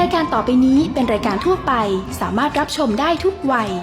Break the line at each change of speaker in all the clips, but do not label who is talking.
ายการต่อไปนี้เป็นรายการทั่วไปสามารถรับชมได้ทุกวัย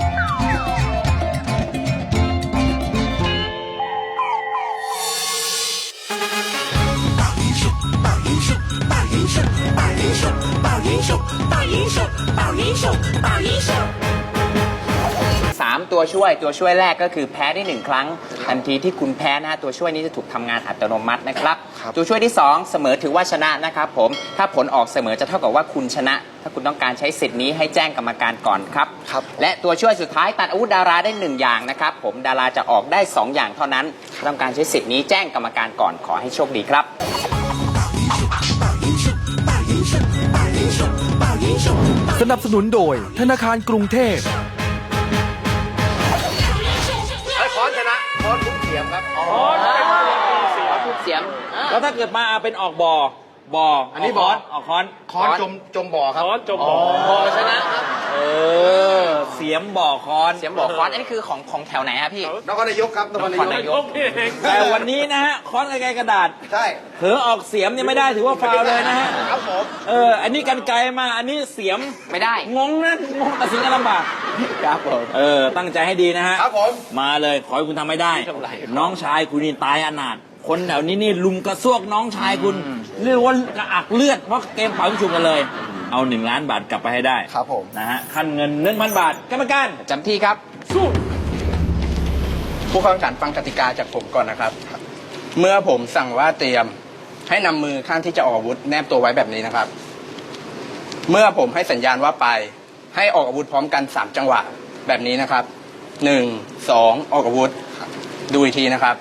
3 ตัวช่วยแรกก็คือแพ้ได้1 ครั้งทันทีที่คุณแพ้นะฮะตัวช่วยนี้จะถูกทำงานอัตโนมัตินะครับตัวช่วยที่2เสมอถือว่าชนะนะครับผมถ้าผลออกเสมอจะเท่ากับว่าคุณชนะ ถ้าคุณต้องการใช้สิทธิ์นี้ให้แจ้งกรรมการก่อนครับและตัวช่วยสุดท้ายตัดอาวุธดาราได้1 อย่างนะครับผมดาราจะออกได้2 อย่างเท่านั้นต้องการใช้สิทธิ์นี้แจ้งกรรมการก่อนขอให้โชคดีครับ
สนับสนุนโดยธนาคารกรุงเทพ
ค้อนชนะค้อนทุกเสียมครับ
ทุกเสียม
แล้วถ้าเกิดมาเป็นออกบ่ออันนี้บอออกค้อน
จมบ่อครับ
ค้อนจมบ่อ
ชนะครับ
เสียมบ่อค้อน
เสียมบ่อค้อนอันนี้คือของแถวไหนครับพี่
นครนายกครับนครนายก
แต่วันนี้นะฮะค้อนไกลกระดาษ
ใช่
เผลอออกเสียมเนี่ยไม่ได้ถือว่าฟาวเลยนะฮะ
ครับผม
อันนี้กันไกลมาอันนี้เสียม
ไม่ได้
งงนะงงตัดสินกันลำบาก
ครับผม
ตั้งใจให้ดีนะฮะ
ครับผม
มาเลยขอให้คุณทำให้ได้น้องชายคุณนี่ตายอนาถคนแถวนี้นี่ลุมกระซวกน้องชายคุณเรียกว่ากระอักเลือดเพราะเกมเป่ายิงฉุบกันเลยเอา1 ล้านบาทกลับไปให้ได้
ครับผม
นะฮะขั้นเงิน 1,000 บาทกรรมการ
จำที่ครับ
สู้
ผู้เข้าแข่งขันฟังกติกาจากผมก่อนนะครับเมื่อผมสั่งว่าเตรียมให้นำมือข้างที่จะออกอาวุธแนบตัวไว้แบบนี้นะครับเมื่อผมให้สัญญาณว่าไปให้ออกอาวุธพร้อมกัน3 จังหวะแบบนี้นะครับ1 2ออกอาวุธดูอีกทีนะครับ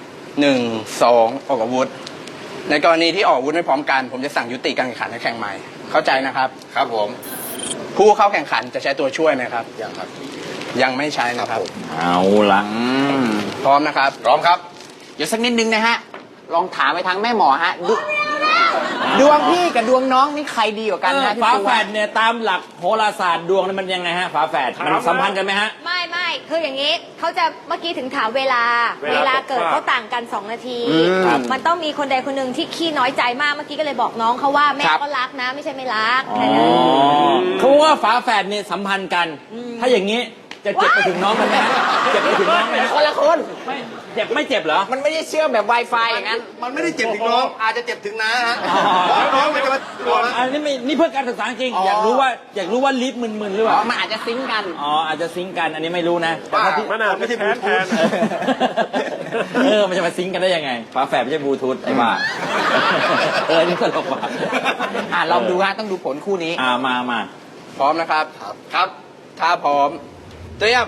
1 2ออกอาวุธในกรณีที่ออกอาวุธไม่พร้อมกันผมจะสั่งยุติการแข่งขันให้แข่งใหม่เข้าใจนะครับครับผมผู้เข้าแข่งขันจะใช้ตัวช่วยไหมครับยังครับยังไม่ใช้นะครับ
เอาละ
พร้อมนะครับพร้อมครับ
เดี๋ยวสักนิดนึงนะฮะลองถามไปทางแม่หมอฮะดวงพี่กับดวงน้องนี่ใครดีกว่ากันฮะ
ฝาแฝดเนี่ยตามหลักโหราศาสตร์ดวงมันยังไงฮะฝาแฝดมันสัมพันธ์กันไหมฮะ
ไม่คืออย่างนี้เขาจะเมื่อกี้ถึงถามเวลาเกิดเขาต่างกัน2 นาทีมันต้องมีคนใดคนหนึ่งที่ขี้น้อยใจมากเมื่อกี้ก็เลยบอกน้องเขาว่าแม่ก็รักนะไม่ใช่ไม่รัก
เขาว่าฝาแฝดเนี่ยสัมพันธ์กันถ้าอย่างนี้จะเจ็บไปถึงน้องมันไหมฮะเจ็บไปถึงน้องไหม
คนละคน
ไม่เจ็บเหรอ
มันไม่ได้เชื่อมแบบ Wi-Fi อย่างนั้น
มันไม่ได้เจ็บถึงน้องอาจจะเจ็บถึงน้าฮะน้องมันจะมา
อันนี้นี่เพื่อการศึกษาจริงอยากรู้ว่าลิฟต์มึนๆหรือเปล่า
มันอาจจะซิงกัน
อาจจะซิงกันอันนี้ไม่รู้นะ
มันไม่ใช่บลูทูธ
มันจะมาซิงกันได้ยังไงฝาแฝดไม่ใช่บลูทูธไอ้บ้านี่ตลกว่ะ
ลองดูฮะต้องดูผลคู่นี้
มา
พร้อมนะครับครับถ้าพร้อมเตรียม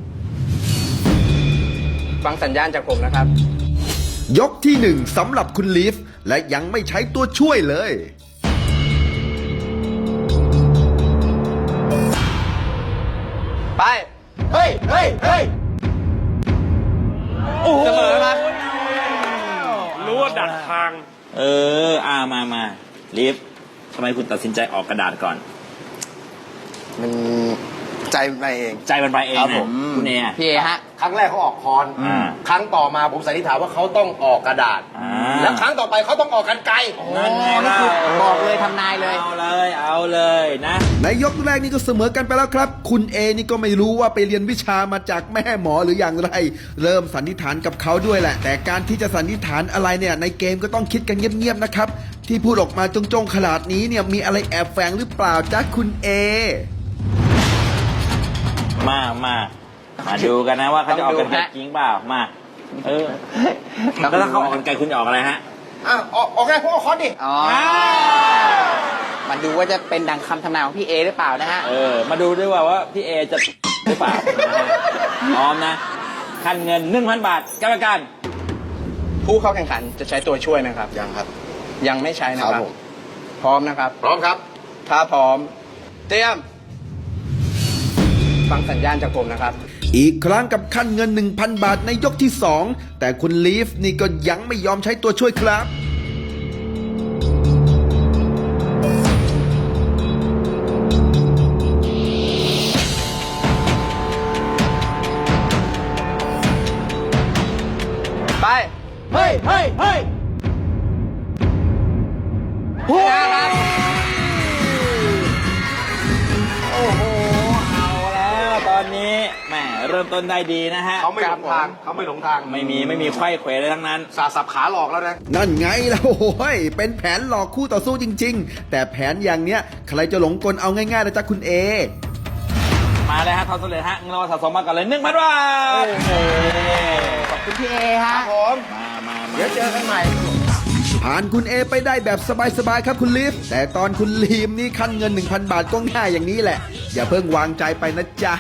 ฟังสัญญาณจากผมนะครับ
ยกที่1สำหรับคุณลีฟและยังไม่ใช้ตัวช่วยเลย
ไปเฮ้ย
เสมอครับ
รู้ว่าดักทาง
มาลีฟทำไมคุณตัดสินใจออกกระดาษก่อน
มันใจมันไปเอง
ครับผมคุณเอ
พี่เอฮะ
ครั้งแรกเขาออกค้อนครั้งต่อมาผมสันนิษฐานว่าเขาต้องออกกระดาษแล้วครั้งต่อไปเขาต้องออกกรรไกร
นั่นไงล่ะ
บอกเลยทำนายเลย
เอาเลยนะ
ในยกแรกนี่ก็เสมอกันไปแล้วครับคุณเอนี่ก็ไม่รู้ว่าไปเรียนวิชามาจากแม่หมอหรืออย่างไรเริ่มสันนิษฐานกับเขาด้วยแหละแต่การที่จะสันนิษฐานอะไรเนี่ยในเกมก็ต้องคิดกันเงียบๆนะครับที่พูดออกมาจงๆขนาดนี้เนี่ยมีอะไรแอบแฝงหรือเปล่าจ๊ะคุณเอ
มาดูกันนะว่าเขาจะออกกันไกลจริงเปล่ามาแล้วถ้าเขาออกกันไกลคุณจะออกอะไรฮะ
ออกไงพวกเอาค้อนดิ
มาดูว่าจะเป็นดังคำทำนายของพี่เอหรือเปล่านะฮะ
มาดูด้วยว่าพี่เอจะหรือเปล่าพร้อมนะขั้นเงิน 1,000 บาทกรรมการ
ผู้เข้าแข่งขันจะใช้ตัวช่วยนะครับยังครับยังไม่ใช้นะครับพร้อมนะครับพร้อมครับถ้าพร้อมเตรียมฟังสัญญาณจากผมนะครับ
อีกครั้งกับขั้นเงิน 1,000 บาทในยกที่2แต่คุณลีฟนี่ก็ยังไม่ยอมใช้ตัวช่วยครับ
ไปเฮ้ย
พริ่มต้นได้ดีนะฮะ
เขาไม่หลงทางเขาไม่หลงทาง
ไม่มีไขว้เขวเลยทั้งนั้น
สาสับขาหลอกแล้วนะ
นั่นไงแล้วโอ้ยเป็นแผนหลอกคู่ต่อสู้จริง ๆ แต่แผนอย่างเนี้ยใครจะหลงกลเอาง่ายๆนะจ๊ะคุณเอ
มาเลยฮะทำสำเร็จฮะเงินรางวัลสะสมมากันเลย1,000 บาท
ขอบคุณพี่เอฮะ
มา
เดี๋ยวเจอกันใหม่
ผ่านคุณเอไปได้แบบสบายๆครับคุณลีฟแต่ตอนคุณลีมนี่ขั้นเงิน 1,000 บาทก็ง่ายอย่างนี้แหละ อย่าเพิ่งวางใจไปนะจ๊ะ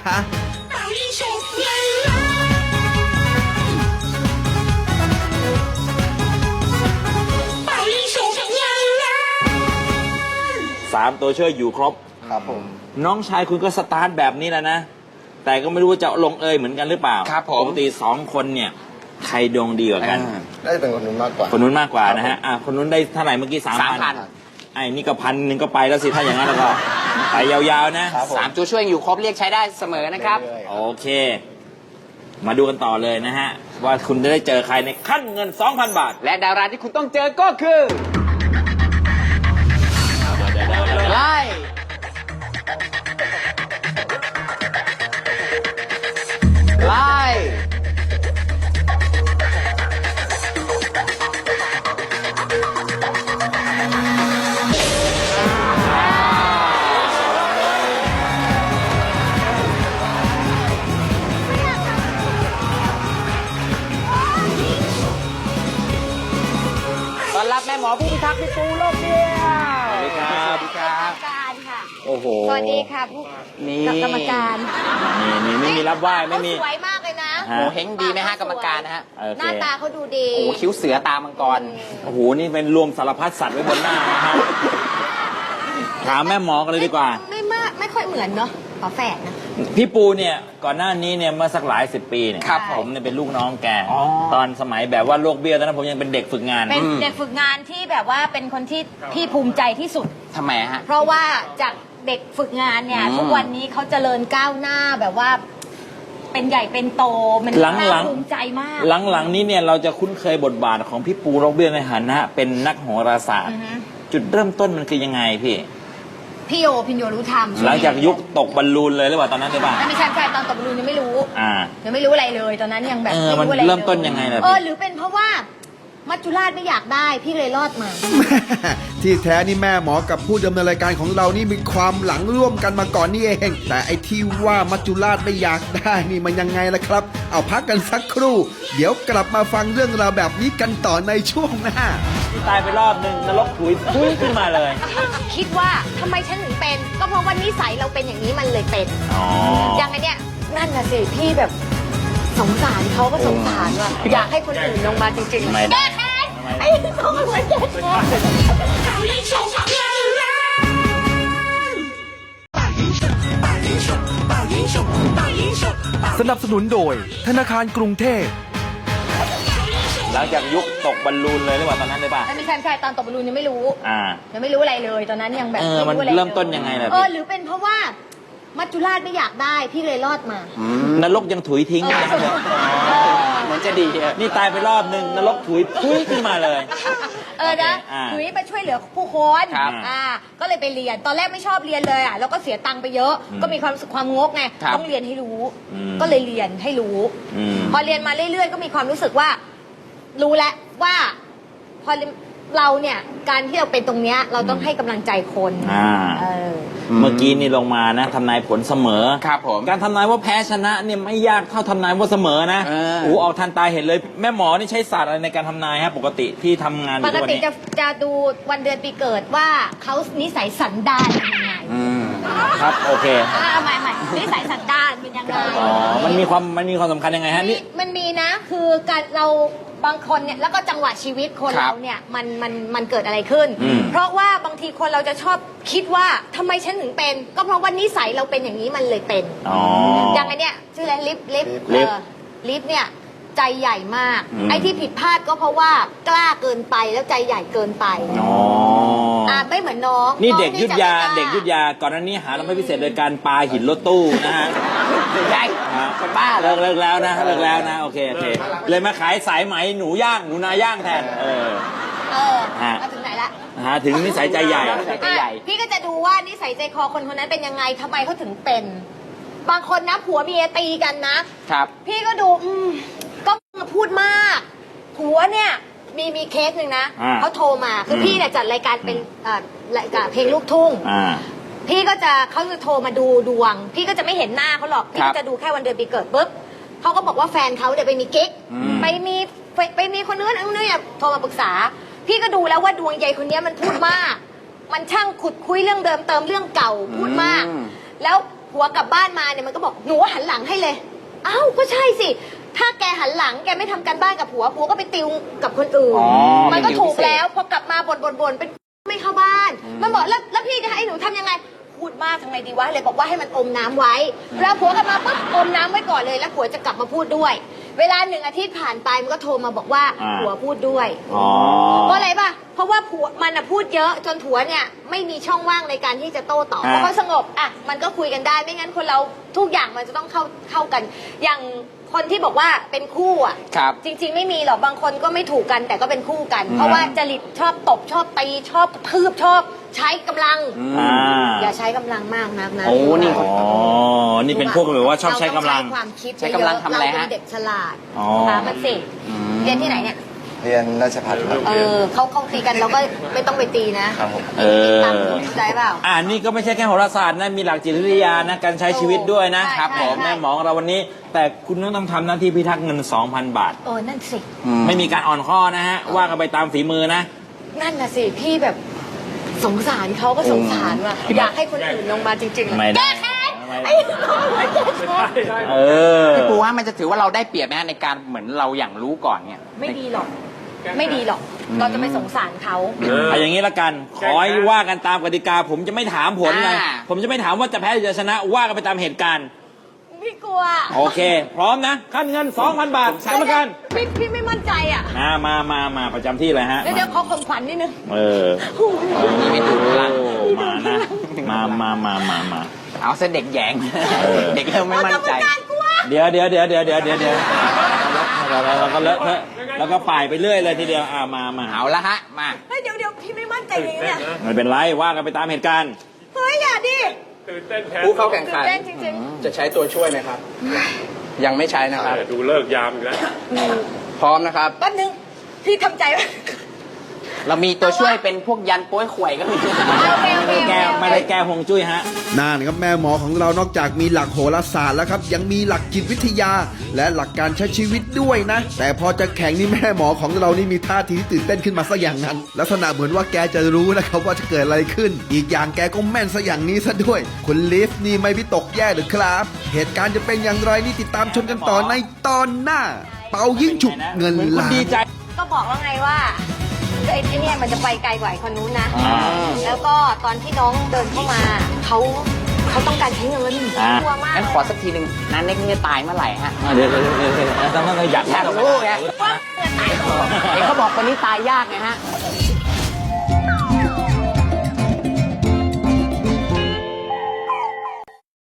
3 ตัวช่วยอยู่ครบ
ครับผม
น้องชายคุณก็สตาร์ทแบบนี้แล้วนะ แต่ก็ไม่รู้ว่าจะลงเอยเหมือนกันหรือเปล่า
ครับผม
ปกติ2 คนเนี่ย ใครดวงดีกว่ากัน
น่าจะเป็นคนนู้นมากกว่า
คนนู้นมากกว่านะฮะคนนู้นได้เท่าไหร่เมื่อกี้ 3,000 ไอ้นี่ก็1,000ก็ไปแล้วสิถ้าอย่างนั้นแล้วก็ไปยาวๆนะ
ครับผม
สามตัวช่วยอยู่ครบเรียกใช้ได้เสมอนะครับ
เรื่อยๆ
โอเค มาดูกันต่อเลยนะฮะ ว่าคุณจะได้เจอใครในขั้นเงิน 2,000 บาท
และดาราที่คุณต้องเจอก็คือไล่ไล่ ต้อนรับแม่หมอผู้พิทักษ์พี่ปูโลกเดียว
สวัสดีครับ
กรรมการค่ะ
โอ้โห
สวัสดีค่ะผู้
นี่
กรรมการ
นี่ไม่มีรับไหว้ไม่มี
เขาสวยมากเลยนะ
ฮะ
โหเฮงดีไหมฮะกรรมการนะฮะ
โอ
ห
เค
น้าตาเขาดูดี
โอ้คิ้วเสือตามังกร
โอ้โห นี่เป็นรวมสารพัดสัตว์ไว้บนหน้านะฮะ ถามแม่หมอกันเลยดีกว่า
ไม่ค่อยเหมือนเนาะฝาแฝดนะ
พี่ปูเนี่ยก่อนหน้านี้เนี่ยเมื่อสักหลาย10 ปีเนี่ย
ครับผม
ผมเนี่ยเป็นลูกน้องแก
อ๋อ
ตอนสมัยแบบว่าโรคเบี้ยวตอนนั้นผมยังเป็นเด็กฝึกงาน
เป็นเด็กฝึกงานที่แบบว่าเป็นคนที่พี่ภูมิใจที่สุด
ทำไมฮะ
เพราะว่าจากเด็กฝึกงานเนี่ย
อืม
ทุกวันนี้เขาเจริญก้าวหน้าแบบว่า เป็นใหญ่เป็นโตมัน
หลัง
น่าภูมิใจมาก
หลังๆนี้เนี่ยเราจะคุ้นเคยบทบาทของพี่ปูโรคเบี้ยวในฐานะเป็นนักโหราศาสตร์
อือฮึ
จุดเริ่มต้นมันคือยังไงพี่
พี่โยพินโยรู้ธรรม
หลังจากยุคตกบอลลูนเลยหรือเปล่าตอนนั้นหรือเปล่า
ไม่ใช่ตอนตบบอลลูนยังไม่รู้
อ่า
ยังไม่รู้อะไรเลย ตอนนั้นยังแบบ
มัน
ไม่รู้อะไรลย
เริ่มต้นยังไงล่ะพี่
หรือเป็นเพราะว่ามัจจุราชไม่อยากได้พี่เลยรอดมา
ที่แท้นี่แม่หมอกับผู้ดำเนินรายการของเรานี่มีความหลังร่วมกันมาก่อนนี่เอง แต่ไอ้ที่ว่ามัจจุราชไม่อยากได้นี่มันยังไงล่ะครับ เอาพักกันสักครู่ เดี๋ยวกลับมาฟังเรื่องราวแบบนี้กันต่อในช่วงหน้า
ตายไปรอบหนึ่งนรกถุยพุ่งขึ้นมาเลย
คิดว่าทำไมฉันถึงเป็น ก็เพราะว่านิสัยเราเป็นอย่างนี้มันเลยเป็น
อ๋อ
อย่างไอเนี้ยนั่นน่ะสิพี่แบบสงสารเขาก็สงสารว่ะอยากให้คนอื่นลงมาจริง
ไม่
ๆ
ได้
แก้แค้นไอ้สองคนแก้แค้น
สนับสนุนโดยธนาคารกรุงเทพ
หลังจากยุคตกบอลลูนเลยหรือเปล่าตอนนั้นหรือเปล่า
ไม่ใช่ตอนตบบอลลูนยังไม่รู้
อ่า
ยังไม่รู้อะไรเลย ตอนนั้นยังแบบ
มัน
ไรู้อะไลย
เริ่มต้นยังไงล่ะพี่
หรือเป็นเพราะว่ามัจจุราชไม่อยากได้พี่เลยรอดมา
นรกยังถุยทิ้งนะ
เหมือนจะดีอะ
นี่ตายไปรอบหนึ่งนรกถุยพุ่งขึ้นมาเลย
นะ
อ่า
ถุยไปช่วยเหลือผู้คน
ครับ
ก็เลยไปเรียน ตอนแรกไม่ชอบเรียนเลยแล้วก็เสียตังค์ไปเยอะ ก็มีความรู้สึกความงกไง
ครับ
ต้องเรียนให้รู้
อืม
ก็เลยเรียนให้รู้
อืม
พอเรียนมาเรื่อยๆ ก็มีความรู้สึกว่า รู้แล้วว่า พอเราเนี่ย การที่เราเป็นตรงเนี้ยเราต้องให้กำลังใจคน
อ่า
เออ
เมื่อกี้นี่ลงมานะทำนายผลเสมอ
ครับผม
การทำนายว่าแพ้ชนะเนี่ยไม่ยากเท่าทำนายว่าเสมอนะ
เออ
โอ้ออกทันตาเห็นเลย แม่หมอนี่ใช้ศาสตร์อะไรในการทำนายฮะปกติที่ทำงานอ
ป
ยู่
ก
ทุกวัน
ติ
นี้
จะดูวันเดือนปีเกิดว่าเขานิสัยสันดานเป็นยังไง
ครับโอเค
ใหม่นิสัยสันดานเป็นยังไง
อ๋อมันมีความสำคัญยังไงฮะนี่
มันมีนะคือการเราบางคนเนี่ยแล้วก็จังหวะชีวิตคน
ครับ
เราเนี่ยมันเกิดอะไรขึ้น
อืม
เพราะว่าบางทีคนเราจะชอบคิดว่าทำไมฉันถึงเป็น ก็เพราะว่านิสัยเราเป็นอย่างนี้มันเลยเป็น
อ๋อ
อย่างไอเนี้ยชื่ออะไรลิฟ
ลิฟ
ลิฟเนี่ยใจใหญ่มาก
อืม
ไอ้ที่ผิดพลาดก็เพราะว่ากล้าเกินไปแล้วใจใหญ่เกินไป
อ๋อ
ไม่เหมือนน้อง
นี่
อง
เด็กยุทธยา
จะไม่ล้
เด็กยุทธยาก่อนหน้านี้หาเราไม่พิเศษโดยการปาหินรถตู้นะฮะ
ใช่คนบ้าเล
เลิ
ย
กแล้วนะเลิกแล้วนะโอเคเลยมาขายสายไหมหนูย่างหนูนาย่างแทนฮะ
มาถึงไหนละ
หาถึงนิสัยใจใหญ่
ใจใหญ่
พี่ก็จะดูว่านิสัยใจคอคนคนนั้นเป็นยังไงทำไมเขาถึงเป็นบางคนนะผัวเมียตีกันนะ
ครับ
พี่ก็ดูก็พูดมากผัวเนี่ยมีเคสหนึ่งนะ เขาโทรมาคือพี่เนี่ยจัดรายการเป็นรายการเพลงลูกทุ่งพี่ก็จะเขาจะโทรมาดูดวง พี่ก็จะไม่เห็นหน้าเขาหรอกพี่ก็จะดูแค่วันเดือนปีเกิดปุ๊บเขาก็บอกว่าแฟนเขาเนี่ยไปมีกิ๊กไปมีคนนู้นเนี่ยโทรมาปรึกษา พี่ก็ดูแล้วว่าดวงใหญ่คนนี้มันพูดมาก มันช่างขุดคุยเรื่องเดิมเติมเรื่องเก่าพูดมาก แล้วผัวกลับบ้านมาเนี่ยมันก็บอกหนูหันหลังให้เลยอ้าวก็ใช่สิถ้าแกหันหลังแกไม่ทำการบ้านกับผัวก็ไปติวกับคนอื่นมันก็ถูกแล้วพอกลับมาบ่นเป็นไม่เข้าบ้านมันบอกแล้วพี่จะให้หนูทำยังไงพูดมากทำไงดีวะเลยบอกว่าให้มันอมน้ำไว้แล้วผัวกลับมาปุ๊บอมน้ำไว้ก่อนเลยแล้วผัวจะกลับมาพูดด้วย เวลา1 อาทิตย์ผ่านไปมันก็โทรมาบอกว่าผัวพูดด้วยเพราะอะไรป่ะเพราะว่าผัวมันพูดเยอะจนผัวเนี่ยไม่มีช่องว่างในการที่จะโต้ตอบเพราะเขาสงบอ่ะมันก็คุยกันได้ไม่งั้นคนเราทุกอย่างมันจะต้องเข้ากันอย่างคนที่บอกว่าเป็นคู่อ่ะจริงๆไม่มีหรอกบางคนก็ไม่ถูกกันแต่ก็เป็นคู่กัน เพราะว่าจริตชอบตบชอบตีชอบทืบชอบใช้กำลังอย่าใช้กำลังมากนักนะ
โอ้นี่
นี่เป็นพวกแบบว่าชอบใช้กำลัง
เราต้องใช้ความคิด
ใช้กำลังทำอะไรฮะ
เราเป็นเด็กฉลาดถามมันสิเรียนที่ไหนเนี่ย
เรียนราชภัฏครับ
เขาตีกันเราก็ไม่ต้องไปตีนะครับ
ผม
ตามเข้าใจเปล่า
นี่ก็ไม่ใช่แค่โหราศาสตร์นะมีหลักจิตวิทยานะการใช้ชีวิตด้วยนะครับ
ใช่
ผม
ใช่
แม่หมอของเราวันนี้ แต่คุณต้องทำหน้าที่พิทักษ์เงิน 2,000 บาท
นั่นสิ
ไม่มีการอ่อนข้อนะฮะว่ากันไปตามฝีมือนะ
นั่นน่ะสิพี่แบบสงสารเขาก็สงสารว่ะอยากให้คนอื่นลงมาจริงๆ
ไม่ได้
แก้แค้นไอ้น้องมันแก้แค้น
พี่ปูว่ามันจะถือว่าเราได้เปรียบไหมฮะในการเหมือนเราอย่างรู้ก่อนเนี่ย
ไม่ดีหรอก ไม่ดีหรอก เราจะไปสงสารเขา
เอาอย่างนี้ละกัน ขอให้ว่ากันตามกติกา ผมจะไม่ถามผลเลย
อ่า
ผมจะไม่ถามว่าจะแพ้หรือจะชนะ ว่ากันไปตามเหตุการณ์
พี่กลัว
โอเค พร้อมนะ ขั้นเงิน 2,000 บาทกรรมการ
พี่ไม่มั่นใจอ่ะ
มาประจำที่เลยฮะ
เดี๋ยวขอข่มขวัญนิดนึง
ไม่ถูกละ
มานะ มา
เอาซะเด็กแหยง เด็กเริ่มไม่มั่นใจ
กรรมการกลัว
เดี๋ยวเราก็เลอะเทอะแล้วก็ป่ายไปเรื่อยเลยทีเดียวมา
เอาละฮะมา
เฮ้ยเดี๋ยวพี่ไม่มั่นใจเลยเนี่ย
ไม่เป็นไรว่ากันไปตามเหตุการณ์
เฮ้ยอย่าดิ
ผู้เข้าแข่งขัน
ตื่นเต้นจริง
จะใช้ตัวช่วยไหมครับ ยังไม่ใช้นะครับ
ดูเลิกยามอีกแล้ว
พร้อมนะครับ
ๆแป๊บนึงพี่ทำใจไว้
เรามีตัวช่วยเป็นพวกยันโป้ยข่วยก็มี
ไม่ได้แก้ฮวงจุ้ยฮะ
นั่นครับแม่หมอของเรานอกจากมีหลักโหราศาสตร์แล้วครับยังมีหลักจิตวิทยา และหลักการใช้ชีวิตด้วยนะ แต่พอจะแข่งนี่แม่หมอของเรานี่มีท่าทีที่ตื่นเต้นขึ้นมาซะอย่างนั้น ลักษณะเหมือนว่าแกจะรู้นะครับว่าจะเกิดอะไรขึ้น อีกอย่างแกก็แม่นซะอย่างนี้ซะด้วยคุณลิฟนี่ไม่วิตกแย่หรือครับ เหตุการณ์จะเป็นอย่างไรนี่ติดตามชมกันต่อในตอนหน้า เป่ายิ่งฉุกเงินล้าน
ดีใจ
ก็บอกว่าไงว่าไอ้เนี่ยมันจะไปไกลกว่าไอ้คนนู้นนะ แล้วก็ตอนที่น้องเดินเข้ามาเขาต้องการใช้เงินกลัวมาก
งั้นขอสักทีหนึ่งนันเน็กนี่จะตายเมื่อไหร่ฮะ
เดี๋ยวต้องอยาก
อยากรู้ไง
ว่าเงินตายก่อน
เห็นเขาบอกคนนี้ตายยากไงฮะ